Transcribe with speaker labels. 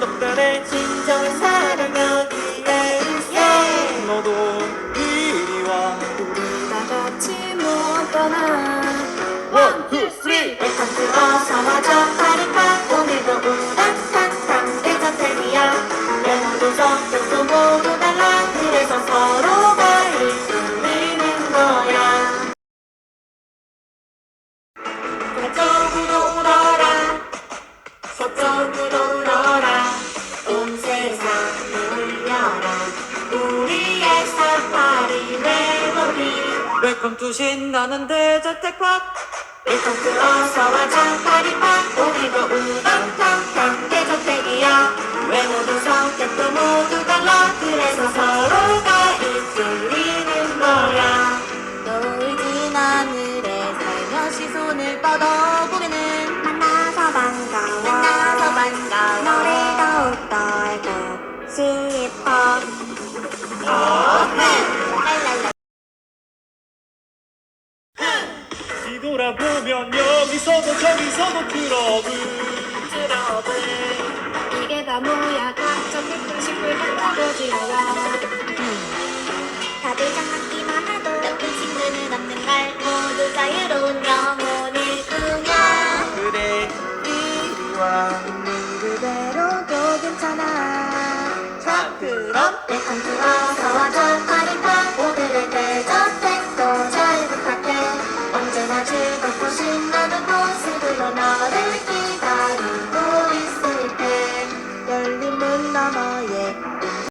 Speaker 1: 떡달에
Speaker 2: 진정한 사랑 여기에 있어.
Speaker 1: 너도 이리 와.
Speaker 2: 우리 다 같이 못 떠나.
Speaker 1: 원, 투, 쓰리.
Speaker 2: 웰컴 투 어서 와줘 파리파. 오늘도 우당탕탕 대저택이야. 외모도 성격도 모두 달라. 그래서 서로가 이끌리는 거야. 동쪽으로 울어라, 서쪽으로 울어라. 온 세상을 울려라. 우리의 사파리 멜로디.
Speaker 1: 웰컴 투 신나는 대저택팍.
Speaker 2: 웰컴 투 어서와줘 파리팍. 오늘도 우당탕탕 대저택이야. 외모도 성격도 모두 달라. 그래서 서로가 이끌리는 거야.
Speaker 3: 노을진 하늘에 살며시 손을 뻗어보면은
Speaker 2: 만나서 반가워.
Speaker 3: 만나서 반가워.
Speaker 2: 너를 더욱더 알고 싶어.
Speaker 3: 랄랄라.
Speaker 1: 뒤돌아보면 여기서도 저기서도 트러블.
Speaker 2: 이게 다 뭐야. 각종 불끈식불 같다고 지어야.
Speaker 3: 다들 장난기만 해도 나쁜 친구는 없는 걸. 모두 자유로운 영혼일 뿐이야.
Speaker 1: 그래 이리 와.
Speaker 2: 그대로도 괜찮아.
Speaker 1: 자 그럼
Speaker 2: 웰컴 투 어서와줘 파리파. 오늘의 대저택도 잘 부탁해. 언제나 즐겁고 신나는 모습으로 너를 기다리고 있을게. 열린 문 너머에